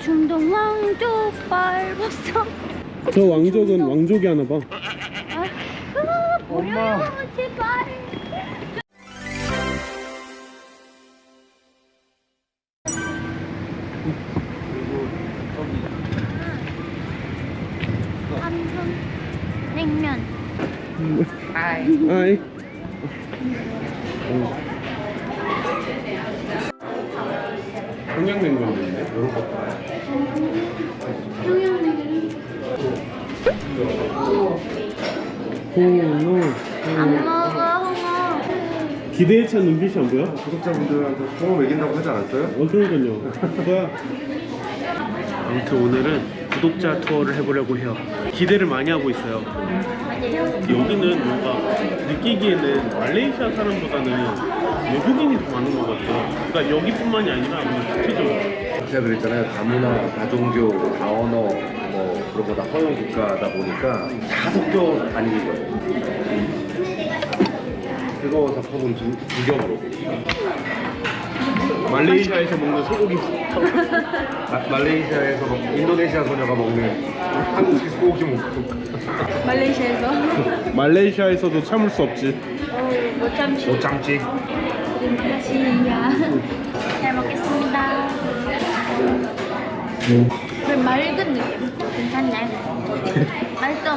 중동 왕족 밟았어. 저 왕족은 왕족이 하나 봐. 엄마 제발. 삼성 냉면. 아이. 평양냉면인데 이런 거. 홍어. 안 먹어 홍어. 기대에 찬 눈빛이 안 보여? 구독자분들한테 홍어 먹인다고 하지 않았어요? 그러니까요. 뭐야? 아무튼 오늘은 구독자 투어를 해보려고 해요. 기대를 많이 하고 있어요. 여기는 뭔가 느끼기에는 말레이시아 사람보다는 외국인이 더 많은 것 같아요. 그러니까 여기뿐만이 아니라 그냥 전체적으로. 제가 그랬잖아요. 다문화, 다종교, 다언어 뭐 그런 거 다 허용 국가다 보니까 다 섞여 다니는 거예요. 그거 덮어본 두겹으로. 말레이시아에서 먹는 소고기. 말레이시아에서 인도네시아 소녀가 먹는 한국식 소고기 먹고. 말레이시아에서도 참을 수 없지. 못 참지. 못 참지. 맛이야. 잘 먹겠습니다. 그 맑은 느낌. 괜찮네. 맛있어.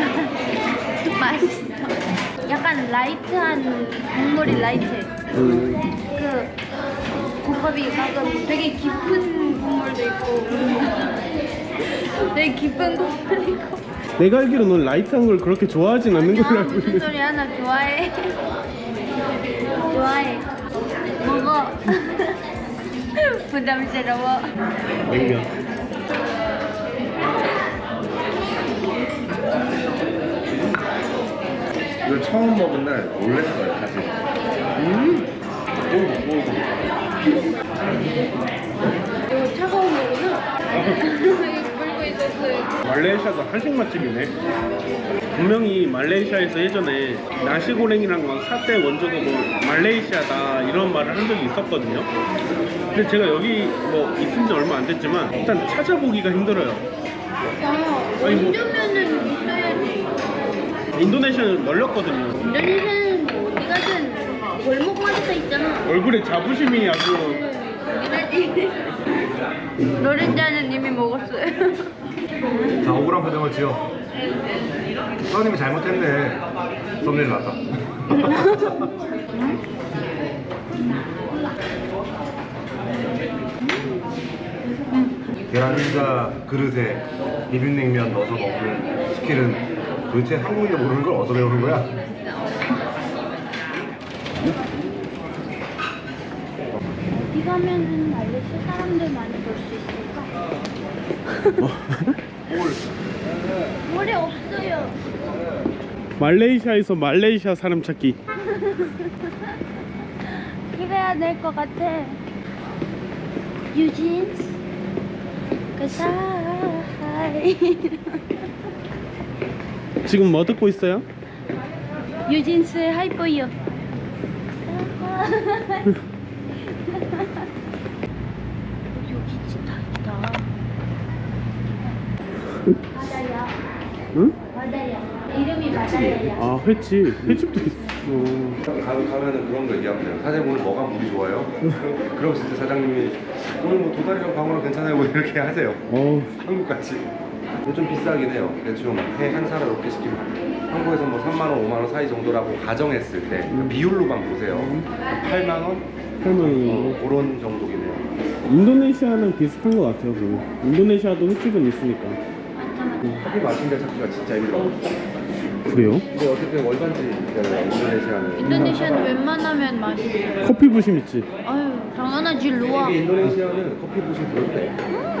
맛있어. 약간 라이트한 국물이 라이트해. 그 국밥이 가끔 되게 깊은 국물도 있고 되게 깊은 국물도 있고. 내가 알기로 넌 라이트한 걸 그렇게 좋아하진 않는 걸로 알고 무슨 있는데. 소리야? 나 좋아해. 좋아해. 먹어. 부담스러워. 냉면. 이걸 처음 먹은 날 놀랬어요, 사실. 이거 차가운 거구나. 여기 불고 있었어요. 말레이시아도 한식 맛집이네. 분명히 말레이시아에서 예전에 나시고랭이랑 막 사태 원조가 뭐 말레이시아다 이런 말을 한 적이 있었거든요. 근데 제가 여기 뭐 있은 지 얼마 안 됐지만 일단 찾아보기가 힘들어요. 아니 뭐 원조면은 있어야지. 인도네시아는 널렸거든요. 인도네시아는 뭐 어디 가든 골목마다 있잖아. 얼굴에 자부심이 아주. 이래지. 노른자는 이미 먹었어요. 자, 억울한 표정을 지어. 사장님이 잘못했네. 썸네일 났다. 계란자 그릇에 비빔냉면 넣어서 먹는 스킬은 도대체 한국인도 모르는 걸 어디서 배우는 거야? 어디 가면은 말레이시아 사람들 많이 볼 수 있을까? 물이 없어요. 말레이시아에서 말레이시아 사람 찾기. 그래야 될 것 같아. 유진스 그사이. 지금 뭐 듣고 있어요? 유진스의 하이퍼이어. 여기 진짜 있다. 바다야. 응? 바다야. 이름이 바다야. 아 횟집도 있어. 가면은 그런 거 얘기하면 돼요. 사장님 오늘 뭐가 물이 좋아요? 그럼 진짜 사장님이 오늘 뭐 도다리랑 방어랑 괜찮아요 뭐 이렇게 하세요. 한국같이. 근데 좀 비싸긴 해요. 대충 회 한 사람 이렇게 시키면 한국에서 뭐 3만원, 5만원 사이 정도라고 가정했을 때 비율로만 보세요. 8만원? 8만 그런 정도긴 해요. 인도네시아는 비슷한 것 같아요. 그러면. 인도네시아도 횟집은 있으니까. 커피 마신 데 찾기가 진짜 힘들어. 그래요? 근데 어쨌든 월반지잖아요. 인도네시아는. 인도네시아는 웬만하면 맛있어요. 커피 부심 있지? 아유 당연하지 로아. 이게 인도네시아는 커피 부심 그럴 때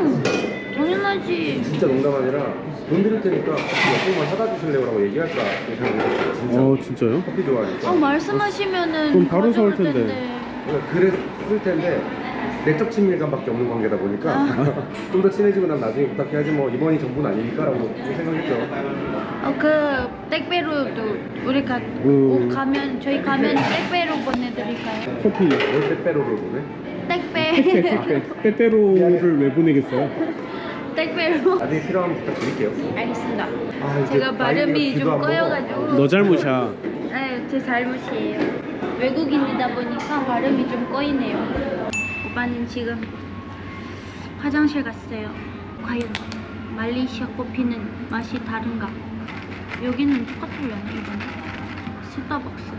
당연하지. 진짜 농담 아니라 돈 드릴 테니까 커피 몇 병만 사다 주실래요? 라고 얘기할까 생각했어요. 진짜. 진짜요? 커피 좋아하니까. 말씀하시면은 그럼 바로 사올 가져올 텐데. 그러니까 그랬을 텐데 내적 친밀감밖에 없는 관계다 보니까 좀 더 친해지고 난 나중에 부탁해야지 뭐 이번이 전부는 아니니까 라고 생각했죠. 그 택배로도 우리 가면 저희 가면 택배로 보내드릴까요? 커피. 뭘 택배로를 보내? 택배. 빼빼로를 왜 보내겠어요? 택배로. 나중에 필요하면 부탁드릴게요. 알겠습니다. 아, 이제 제가 발음이 귀도 좀 안 먹어. 꺼여가지고. 너 잘못이야. 네, 제 잘못이에요. 외국인이다 보니까 발음이 좀 꺼이네요. 오빠는 지금 화장실 갔어요. 과연 말레이시아 커피는 맛이 다른가? 여기는 똑같으려나 이거는? 스타벅스.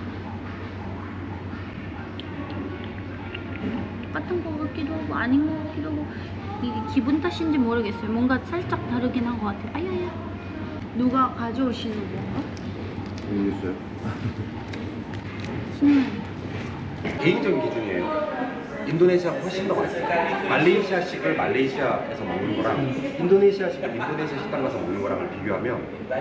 똑같은 거 같기도 하고 아닌 거 같기도 하고 이게 기분 탓인지 모르겠어요. 뭔가 살짝 다르긴 한 것 같아요. 아야야. 누가 가져오시는 건가? 모르겠어요. 개인적인 기준이에요. 인도네시아가 훨씬 더 맛있어요. 말레이시아식을 말레이시아에서 먹는 거랑 인도네시아식을 인도네시아 식당 가서 먹는 거랑을 비교하면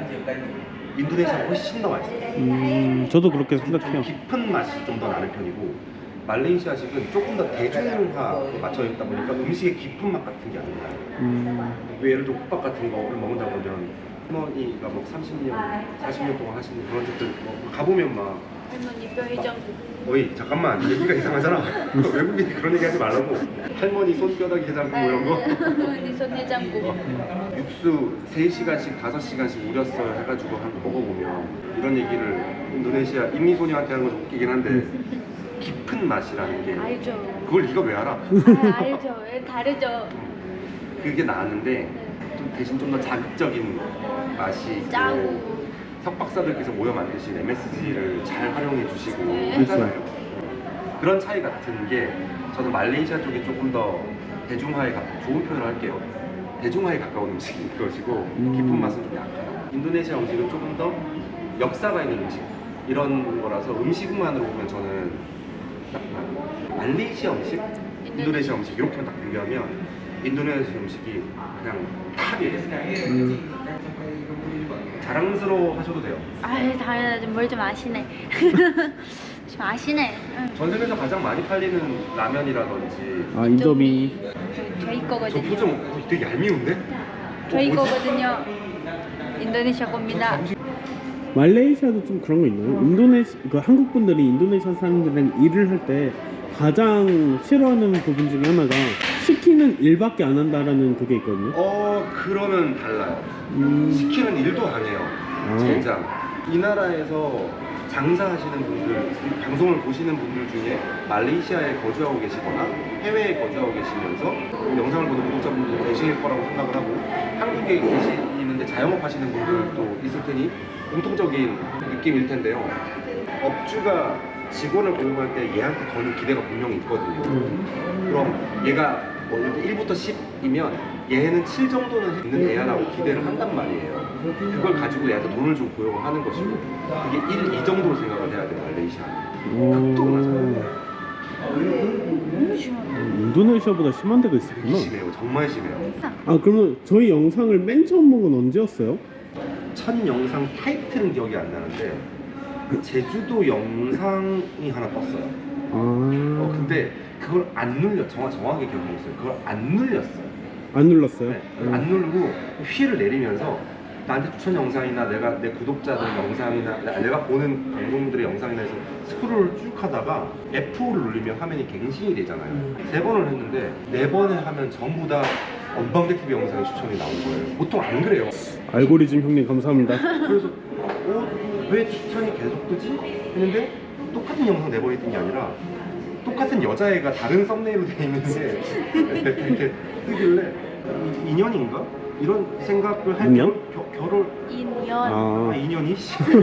인도네시아가 훨씬 더 맛있어요. 저도 그렇게 생각해요. 깊은 맛이 좀 더 나는 편이고 말레이시아식은 조금 더 대중화에 맞춰 있다 보니까 음식의 깊은 맛 같은 게 안 나요. 왜 예를 들어 국밥 같은 거를 먹는다 보면 할머니가 뭐 30년, 40년 동안 하시는 그런 집들 뭐 가보면 막 할머니 뼈해장국. 어이 잠깐만 얘기가 이상하잖아. 외국인이 그런 얘기 하지 말라고. 할머니 손뼈다귀 해장국 뭐 이런 거. 할머니 손해장국. 육수 3시간씩 5시간씩 우렸어요 해가지고 한번 먹어보면 이런 얘기를 인도네시아 인미소녀한테 하는 건 좀 웃기긴 한데 깊은 맛이라는 게 알죠. 그걸 네가 왜 알아? 아, 알죠. 다르죠. 그게 나았는데 좀 대신 좀 더 자극적인 맛이 있고 짜고. 석박사들께서 모여 만드신 MSG를 잘 활용해 주시고 네. 하잖아요. 그런 차이 같은 게 저는 말레이시아 쪽이 조금 더 대중화에 좋은 표현을 할게요. 대중화에 가까운 음식인 것이고 깊은 맛은 좀 약해요. 인도네시아 음식은 조금 더 역사가 있는 음식 이런 거라서 음식만으로 보면 저는 약간 말레이시아 음식, 인도네시아 음식 이렇게만 딱 비교하면 인도네시아 음식이 그냥 탑이에요. 자랑스러워 하셔도 돼요. 아유, 당연하지. 뭘 좀 아시네. 좀 아시네. 응. 전 세계에서 가장 많이 팔리는 라면이라든지 아 인도미. 저희 저 거거든요. 표정 되게 얄미운데? 저희 뭐지? 거거든요. 인도네시아 겁니다. 말레이시아도 좀 그런 거 있나요? 그 한국 분들이 인도네시아 사람들이랑 일을 할 때 가장 싫어하는 부분 중에 하나가 시키는 일밖에 안 한다라는 그게 있거든요. 그러면 달라요. 시키는 일도 안 해요. 젠장. 이 나라에서 장사하시는 분들, 방송을 보시는 분들 중에 말레이시아에 거주하고 계시거나 해외에 거주하고 계시면서 영상을 보는 구독자분들도 계실 거라고 생각을 하고 한국에 계시는데 자영업 하시는 분들도 있을 테니 공통적인 느낌일 텐데요. 업주가 직원을 고용할 때 얘한테 거는 기대가 분명히 있거든요. 그럼 얘가 뭐 이렇게 1부터 10이면 얘는 7 정도는 있는 애야라고 기대를 한단 말이에요. 그걸 가지고 얘한테 돈을 좀 고용을 하는 것이고 그게 1, 2 정도로 생각을 해야 돼요. 말레이시아는 극도로 인도네시아보다 심한 데가 되게 있었구나. 심해요. 정말 심해요. 아 그러면 저희 영상을 맨 처음 본 건 언제였어요? 첫 영상 타이틀은 기억이 안 나는데 제주도 영상이 하나 떴어요. 근데 그걸 안 눌려 정확하게 기억하고 있어요. 그걸 안 눌렸어요. 안 눌렀어요? 네, 안 누르고 휠을 내리면서 나한테 추천 영상이나 내 구독자들 영상이나 내가 보는 방송들의 영상이나 해서 스크롤을 쭉 하다가 F5를 누르면 화면이 갱신이 되잖아요. 3번을 했는데 4번을 하면 전부 다 언방대TV 영상이 추천이 나온 거예요. 보통 안 그래요. 알고리즘 형님 감사합니다. 그래서 왜 추천이 계속 뜨지? 했는데 똑같은 영상 4번이 뜬 게 아니라 똑같은 여자애가 다른 썸네일로 되어 있는데 이렇게 뜨길래 인연인가? 이런 생각을 할 인연? 결혼 인연. 인연이?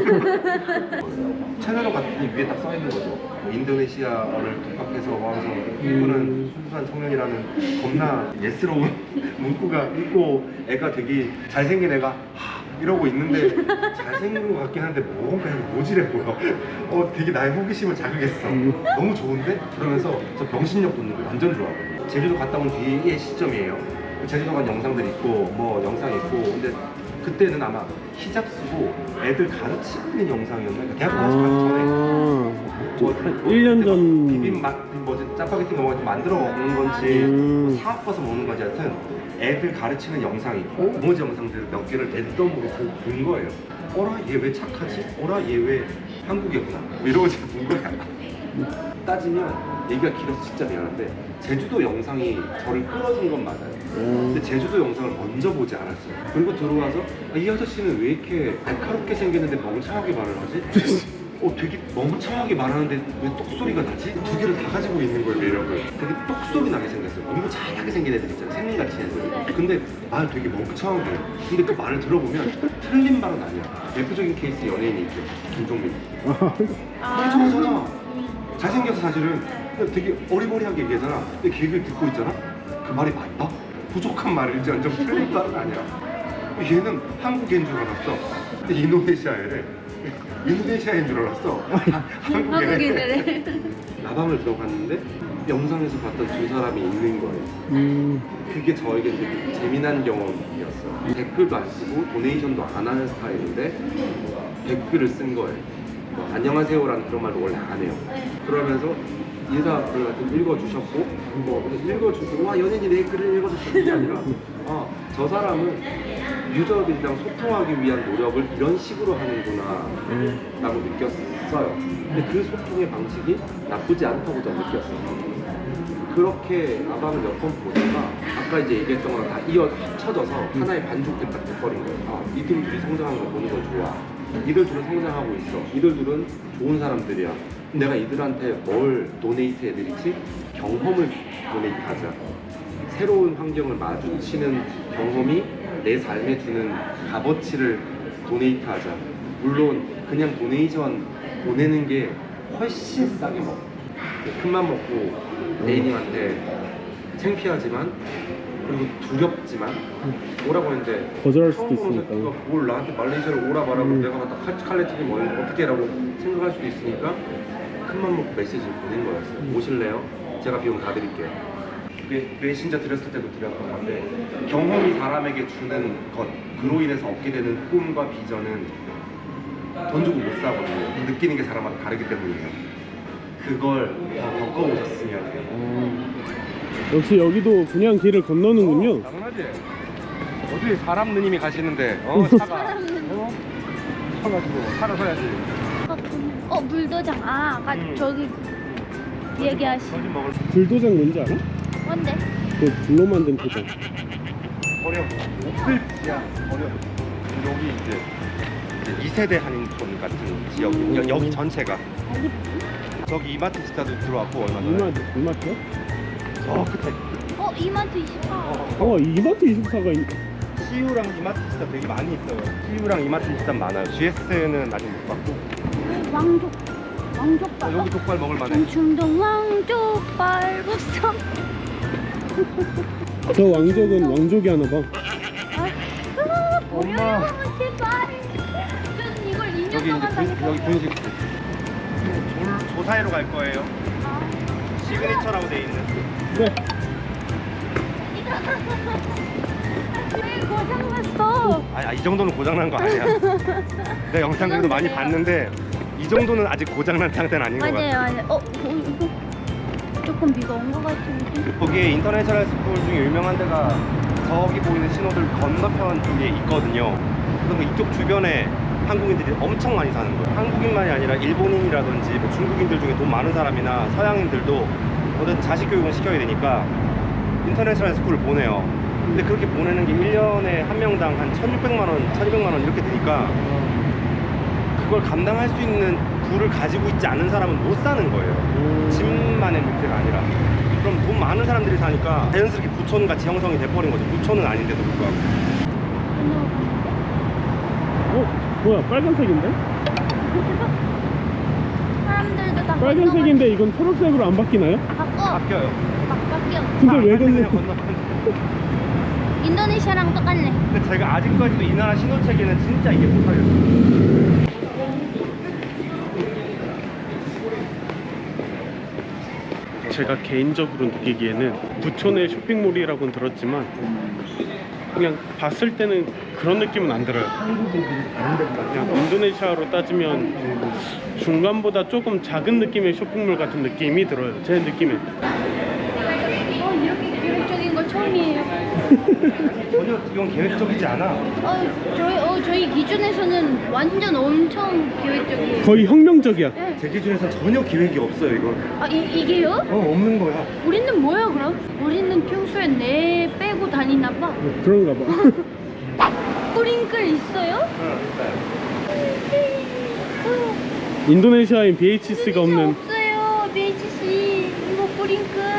채널을 갔더니 위에 딱 써있는 거죠. 인도네시아를 독학해서 와서 이분은 순수한 청년이라는 겁나 예스러운 문구가 있고 애가 되게 잘생긴 애가 이러고 있는데 잘생긴 것 같긴 한데 뭔가 모질해 보여. 되게 나의 호기심을 자극했어. 너무 좋은데? 그러면서 저 병신력 돋는 거 완전 좋아하거든요. 제주도 갔다 온 뒤의 시점이에요. 제주도 간 영상들 있고 뭐 영상 있고 근데 그때는 아마 히잡 쓰고 애들 가르치는 영상이었나? 그러니까 대학교 가기 전에 한 1년 전 비빔맛 뭐지 짜파게티 먹을 만들어 먹는 건지 뭐 사업 가서 먹는 건지 하여튼 애들 가르치는 영상이 있고 나머지 영상들 몇 개를 랜덤으로 본 거예요. 어라 얘 왜 착하지? 어라 얘 왜 한국이구나? 뭐 이러고 제가 본 거야. 따지면 얘기가 길어서 진짜 미안한데 제주도 영상이 저를 끌어준 건 맞아요. 근데 제주도 영상을 먼저 보지 않았어요. 그리고 들어와서 이 아저씨는 왜 이렇게 날카롭게 생겼는데 멍청하게 말을 하지? 되게 멍청하게 말하는데 왜 똑소리가 나지? 두 개를 다 가지고 있는 거예요, 매력을. 되게 똑소리 나게 생겼어요. 공부 잘하게 생긴 애들 있잖아요, 생긴같이 애들. 근데 말 되게 멍청하게 해요. 근데 그 말을 들어보면 틀린 말은 아니야. 대표적인 케이스 연예인이 있죠, 김종민. 멍청하잖아. 잘생겨서 사실은 근데 되게 어리버리하게 얘기하잖아. 근데 그 얘기를 듣고 있잖아? 그 말이 맞다? 부족한 말일지언정 틀린 말은 아니야. 얘는 한국인 줄 알았어. 근데 인도네시아애래. 인도네시아인 줄 알았어. 한국인애래. 라방을 들어갔는데 영상에서 봤던 두 사람이 있는 거예요. 그게 저에게 되게 재미난 경험이었어요. 댓글도 안 쓰고 도네이션도 안 하는 스타일인데 댓글을 쓴 거예요. 뭐, 안녕하세요라는 그런 말도 원래 안 해요. 그러면서 인사글 같은 거 읽어주셨고 뭐 읽어주고 와 연예인이 내 글을 읽어줬어 이게 아니라 저 사람은 유저들이랑 소통하기 위한 노력을 이런 식으로 하는구나 라고 느꼈어요. 근데 그 소통의 방식이 나쁘지 않다고 저는 느꼈어요. 그렇게 라방을 몇 번 보다가 아까 이제 얘기했던 거랑 다 합쳐져서 하나의 반죽이 딱 돼버린 거예요. 이들 둘이 성장하는 거 보는 건 좋아. 이들 둘은 성장하고 있어. 이들 둘은 좋은 사람들이야. 내가 이들한테 뭘 도네이트 해드리지? 경험을 도네이트하자. 새로운 환경을 마주치는 경험이 내 삶에 주는 값어치를 도네이트하자. 물론 그냥 도네이션 보내는 게 훨씬 싸게 먹어. 큰맘 먹고 애인님한테 창피하지만 그리고 두렵지만 오라고 했는데 거절할 수도 처음 보는 있으니까. 새끼가 뭘 나한테 말레이시아를 오라 말하고 내가 갖다 칼레트기 뭐 어떻게 라고 생각할 수도 있으니까 큰맘 먹고 메시지를 보낸 거였어요. 오실래요? 제가 비용 다 드릴게요. 왜 신자 드렸을 때도 드렸던 건데 경험이 사람에게 주는 것 그로 인해서 얻게 되는 꿈과 비전은 돈 주고 못 사거든요. 느끼는 게 사람마다 다르기 때문이에요. 그걸 겪어보셨으면 해요. 역시 여기도 그냥 길을 건너는군요. 당연하지. 어디 사람 누님이 가시는데 차가 서가지고 차를 서야지. 물도장. 아까 저기 얘기하신 거짓 먹을 불도장 뭔지 알아? 뭔데? 그 불로 만든 도장. 버려. 옥슬지야 버려. 여기 이제 2세대 한인촌 같은 지역이 여기 전체가. 저기 이마트 스타도 들어왔고 얼마 전에. 이마트요? 저 끝에. 이마트 24. 이마트 24가 CU랑 이마트 스타 되게 많이 있어요. CU랑 이마트 스타 많아요. GS는 아직 못 봤고. 왕족발. 여기 족발 먹을 만해. 충동 왕족발 보쌈. 저 왕족은 왕족이 하나 봐. 엄마. 제발. 저는 이걸 2년 여기 동안 이제 여기 분식 조사회로 갈 거예요. 시그니처라고 돼 있는. 네. 왜 고장났어? 이 정도는 고장난 거 아니야. 내가 영상 그래도 많이 봤는데 이 정도는 아직 고장난 상태는 아닌 것 같아. 맞아요. 이거 조금 비가 온 것 같은데. 거기에 인터내셔널 스쿨 중에 유명한 데가 저기 보이는 신호들 건너편 쪽에 있거든요. 그래서 이쪽 주변에 한국인들이 엄청 많이 사는 거예요. 한국인만이 아니라 일본인이라든지 뭐 중국인들 중에 돈 많은 사람이나 서양인들도 어쨌든 자식 교육은 시켜야 되니까 인터내셔널 스쿨을 보내요. 근데 그렇게 보내는 게 1년에 한 명당 한 1,600만 원, 1,200만 원 이렇게 되니까 그걸 감당할 수 있는 부를 가지고 있지 않은 사람은 못 사는 거예요. 집만의 문제가 아니라. 그럼 돈 많은 사람들이 사니까 자연스럽게 부촌같이 형성이 돼버린 거죠. 부촌은 아닌데도 불구하고. 뭐야 빨간색인데? 사람들도 다 빨간색인데 이건 초록색으로 안 바뀌나요? 바뀌어요. 바뀌어. 근데 왜 그냥 건너? 인도네시아랑 똑같네. 근데 제가 아직까지도 이 나라 신호체계는 진짜 이게 못하겠어요. 제가 개인적으로 느끼기에는 부촌의 쇼핑몰이라고는 들었지만 그냥 봤을 때는 그런 느낌은 안 들어요. 그냥 인도네시아로 따지면 중간보다 조금 작은 느낌의 쇼핑몰 같은 느낌이 들어요. 제 느낌엔. 이렇게 기록적인 거 처음이에요. 전혀 이건 계획적이지 않아. 저희 기준에서는 완전 엄청 계획적이에요. 거의 혁명적이야. 네. 제 기준에서 전혀 계획이 없어요 이건. 아, 이게요? 없는 거야. 우리는 뭐야 그럼? 우리는 평소에 내 빼고 다니나 봐. 그런가 봐. 뿌링클 있어요? 인도네시아엔 BHC가 없는. 없어요. BHC 이거 뿌링클.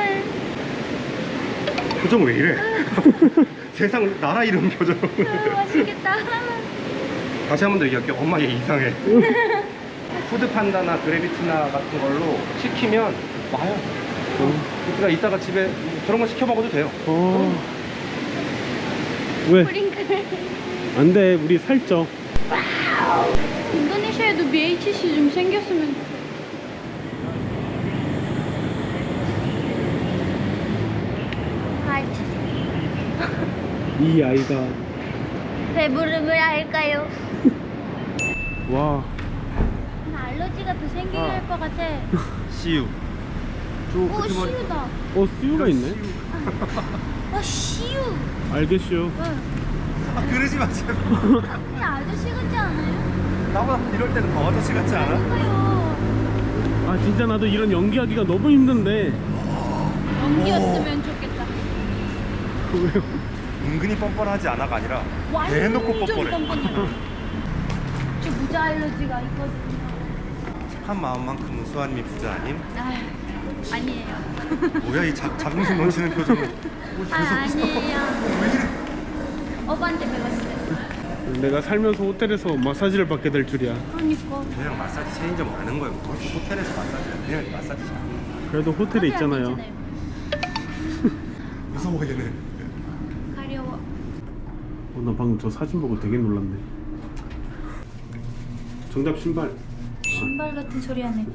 표정 왜 이래? 세상 나라 이름 표정. 맛있겠다. 다시 한 번 더 얘기할게요. 엄마 얘 이상해. 푸드판다나 그래비티나 같은 걸로 시키면 와요. 그러니까 이따가 집에 저런 거 시켜 먹어도 돼요. 왜? 뿌링클. 안 돼, 우리 살쪄. 인도네시아에도 BHC 좀 생겼으면. 이 아이가. 배부름을 할까요? 와. 알러지가 더 생기게 할 것 같아. 씨유. 오, 시우다. 수유가 있네. 아, 시우. 알겠슈. 아, 그러지 마 제발. 그냥 아저씨 같지 않아요? 나보다 이럴 때는 더 아저씨 같지 않아? 그러니까요. 아, 진짜 나도 이런 연기하기가 너무 힘든데. 연기였으면 좋겠다. 왜요? 은근히 뻔뻔하지 않아가 아니라 완전 대놓고 뻔뻔해. 뻔뻔해요. 저 무자 알러지가 있거든요. 착한 마음만큼은 수아님이 부자 아님? 아니에요. 뭐야 이 자긍심 넘치는 표정은. 아니에요. 오빠한테 배웠어요. 내가 살면서 호텔에서 마사지를 받게 될 줄이야. 그러니까. 그냥 마사지 체인점 가는 거예요. 뭐 호텔에서 마사지야. 그냥 마사지잖아. 그래도 호텔에 있잖아요. 무서워 얘는. 가려워. 나 방금 저 사진 보고 되게 놀랐네. 정답 신발. 신발 같은 소리 하네.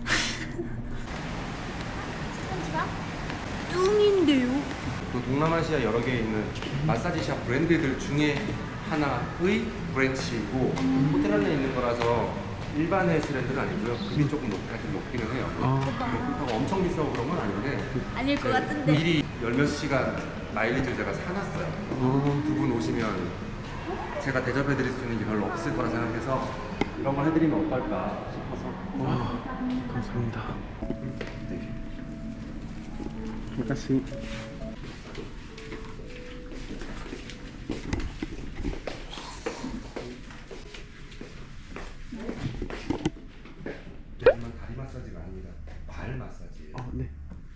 뚱인데요? 그 동남아시아 여러 개 있는 마사지샵 브랜드들 중에 하나의 브랜치이고 호텔 안에 있는 거라서 일반 헬스랜드는 아니고요. 급이 조금 높기는 해요. 그렇다고 엄청 비싸고 그런 건 아닌데 아닐 것 같은데. 미리 열 몇 시간 마일리지를 제가 사놨어요. 두 분 오시면 제가 대접해드릴 수 있는 게 별로 없을 거라 생각해서 이런 걸 해드리면 어떨까 싶어서. 와, 감사합니다. 아가씨. 하지만 다리 마사지가 아닙니다. 발 마사지예요. 네.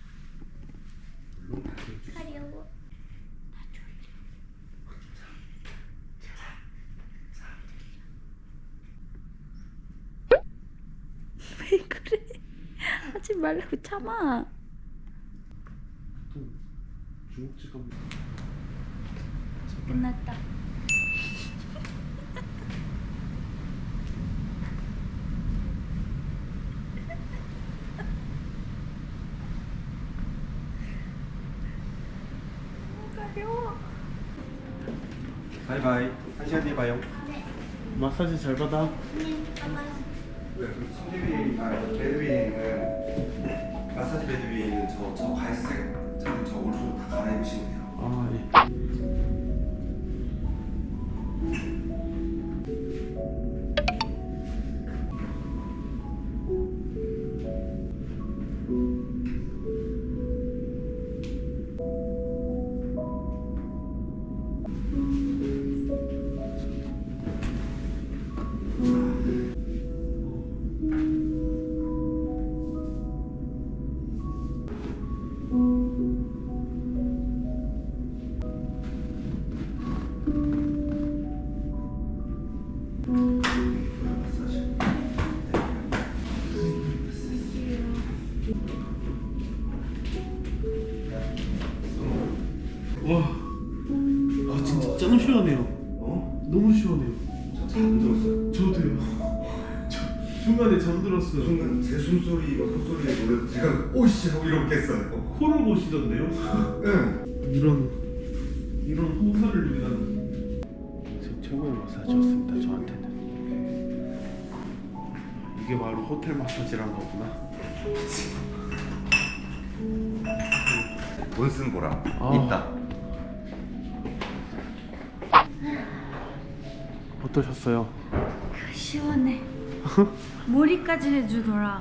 물론 다리 가려워. 왜 그래? 하지 말라고 참아. 중국집 끝났다. 가려워. 바이바이. 한 시간 뒤에 봐요. 마사지 잘 받아. 베드윈은 마사지 베드윈은 저 갈색 저 옷으로 다 갈아입으시면 돼요. 아, 예. 와, 아 진짜 짱 시원해요. 너무 시원해요. 잠들었어요. 저도요. 중간에 잠들었어요. 순간 제 숨소리와 콧소리에 놀라서 제가 오씨 하고 이렇겠어요. 코를 보시던데요? 네. 이런 호사를 위한 최고의 마사지였습니다. 저한테는 이게 바로 호텔 마사지란 거구나. 돈 쓴 보람 아. 있다. 어떠셨어요? 시원해. 머리까지 해주더라.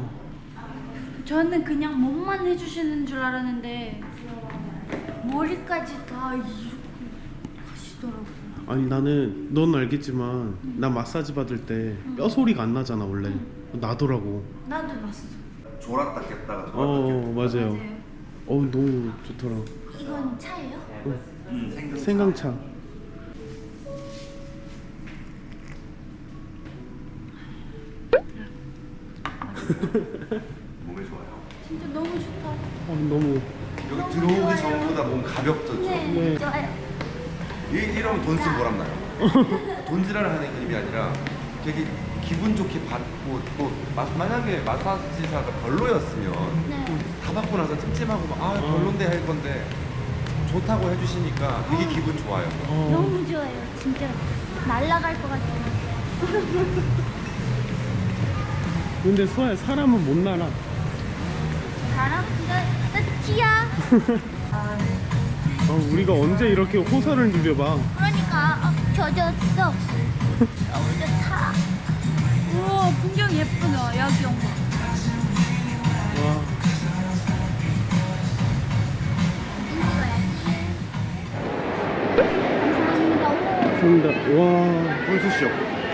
저는 그냥 몸만 해주시는 줄 알았는데 머리까지 다 이렇게 하시더라고. 아니 나는 넌 알겠지만 나 마사지 받을 때 뼈 소리가 안 나잖아 원래. 나더라고. 나도 봤어. 졸았다 깼다가 맞아요. 너무 좋더라. 이건 차예요? 생강차. 몸에 좋아요. 진짜 너무 좋다. 너무. 여기 들어오기 전보다 몸 가볍졌죠? 네, 좋아요. 이러면 돈 쓰면 보람나요. 돈지랄을 하는 느낌이 아니라 되게 기분 좋게 받고 또 만약에 마사지사가 별로였으면 네. 다 받고 나서 찜찜하고 막 별론데 할 건데 좋다고 해주시니까 되게 기분 좋아요. 너무 좋아요. 진짜 날아갈 것 같아요. 근데 수아야 사람은 못 날아. 나랑 나 티야. 우리가 언제 이렇게 호사를 누려봐. 그러니까 젖었어. 너무 좋다. 우와 풍경 예쁘다. 여기 엄마. 와. 감사합니다. 와. 분수쇼.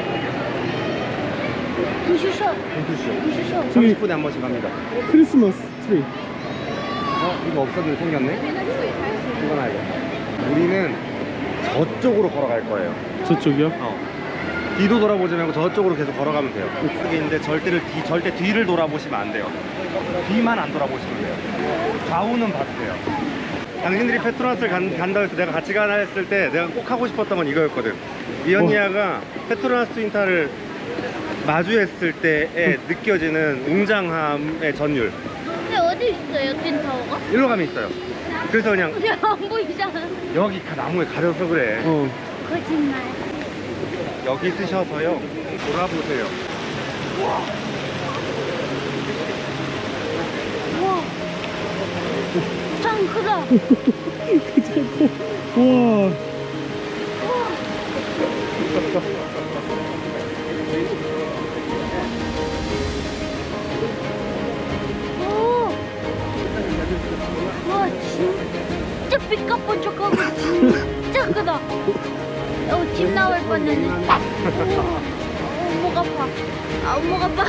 부슈쇼. 분수쇼. 부슈쇼. 30분에 한 번씩 합니다. 크리스마스 트리. 이거 없었는데 생겼네? 이거 놔야 돼. 우리는 저쪽으로 걸어갈 거예요. 저쪽이요? 뒤도 돌아보지 말고 저쪽으로 계속 걸어가면 돼요. 그게 있는데 절대 뒤를 돌아보시면 안 돼요. 뒤만 안 돌아보시면 돼요. 좌우는 봐도 돼요. 당신들이 페트로나스를 간다고 해서 내가 같이 가나 했을 때 내가 꼭 하고 싶었던 건 이거였거든. 이언니아가 페트로나스 트윈타워를 마주했을 때에 느껴지는 웅장함의 전율. 근데 어디 있어요 틴타워가? 일로 가면 있어요. 그래서 그냥 안 보이잖아. 여기 나무에 가려서 그래. 거짓말. 여기 쓰셔서요. 돌아보세요. 우와. 짱 크다. 우와. 오. 와 진짜 삐까뻔쩍하고 진짜 크다. 집 나올 뻔했네. 목 아파. 목 아파.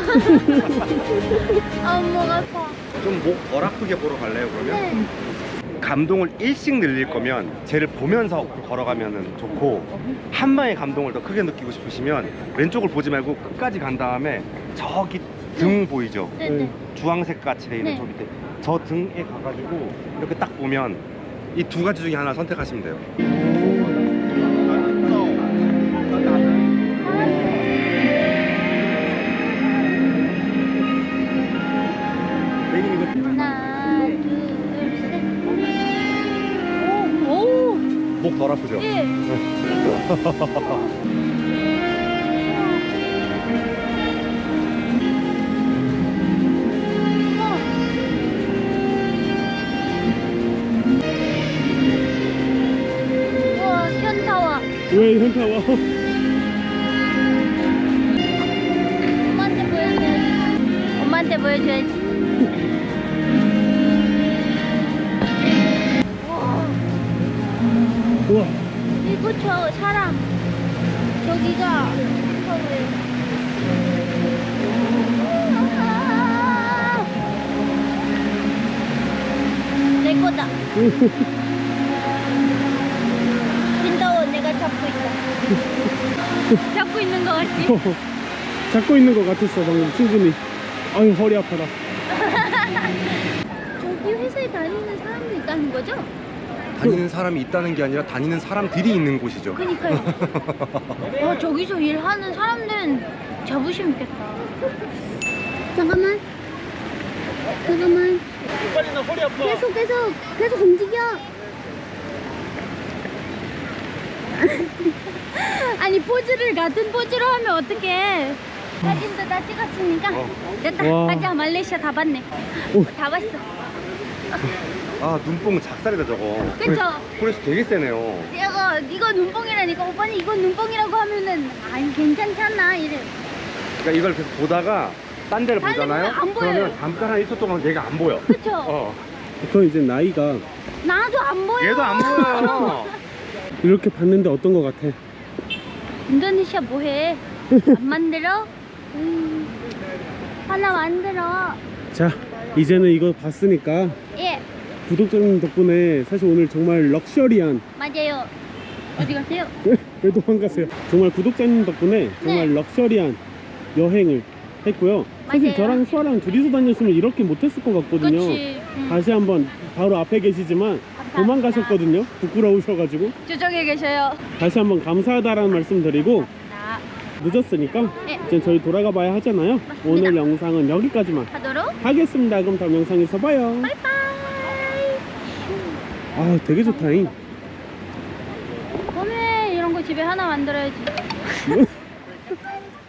목 아파. 좀 목 덜 아프게 보러 갈래요 그러면? 네. 감동을 일씩 늘릴 거면 쟤를 보면서 걸어가면 좋고 한 방에 감동을 더 크게 느끼고 싶으시면 왼쪽을 보지 말고 끝까지 간 다음에 저기 등 보이죠? 네네. 주황색 같이 돼 있는 네. 저 밑에 저 등에 가가지고 이렇게 딱 보면 이 두 가지 중에 하나 선택하시면 돼요. 하나, 둘, 셋. 오, 오. 목 덜 아프죠? 예. 우와, 현타와. 왜 현타와? 엄마한테 보여줘야지. 엄마한테 보여줘야지. 우와. 이거 저 사람. 저기가 현타와예요. 내 거다. 빈다워 내가 잡고 있다. 잡고 있는 거 같지? 잡고 있는 것 같았어 방금 충분히. 아유 허리 아파라. 저기 회사에 다니는 사람도 있다는 거죠? 다니는 사람이 있다는 게 아니라 다니는 사람들이 있는 곳이죠. 그니까요. 와 저기서 일하는 사람들은 자부심 있겠다. 잠깐만. 빨리 나 허리 아파. 계속 움직여. 아니 포즈를 같은 포즈로 하면 어떡해. 사진도 다 찍었으니까 됐다. 와. 가자. 말레이시아 다 봤네. 오. 다 봤어. 아 눈뽕 작살이다 저거. 그쵸? 프레시 되게 세네요. 이거 눈뽕이라니까. 오빠는 이거 눈뽕이라고 하면은 아니 괜찮지 않나 이래. 그러니까 이걸 계속 보다가 딴 데를 다른 보잖아요. 데는 안 보여요. 그러면 잠깐 한 1초 동안 얘가 안 보여. 그쵸? 저 이제 나이가 나도 안 보여. 얘도 안 보여요. 이렇게 봤는데 어떤 거 같아? 인도네시아 뭐해? 안 만들어? 하나 만들어. 자, 이제는 이거 봤으니까 예, 구독자님 덕분에 사실 오늘 정말 럭셔리한 맞아요. 어디 가세요? 왜 도망가세요? 정말 구독자님 덕분에 정말 네. 럭셔리한 여행을 했고요. 사실 맞아요. 저랑 수아랑 둘이서 다녔으면 이렇게 못했을 것 같거든요. 그렇지. 다시 한번 바로 앞에 계시지만 도망가셨거든요. 부끄러우셔가지고 저쪽에 계셔요. 다시 한번 감사하다라는 말씀 드리고 나 늦었으니까 네. 이제 저희 돌아가 봐야 하잖아요. 맞습니다. 오늘 영상은 여기까지만 하도록. 하겠습니다. 그럼 다음 영상에서 봐요. 바이바이. 아, 되게 좋다잉. 오늘 이런 거 집에 하나 만들어야지.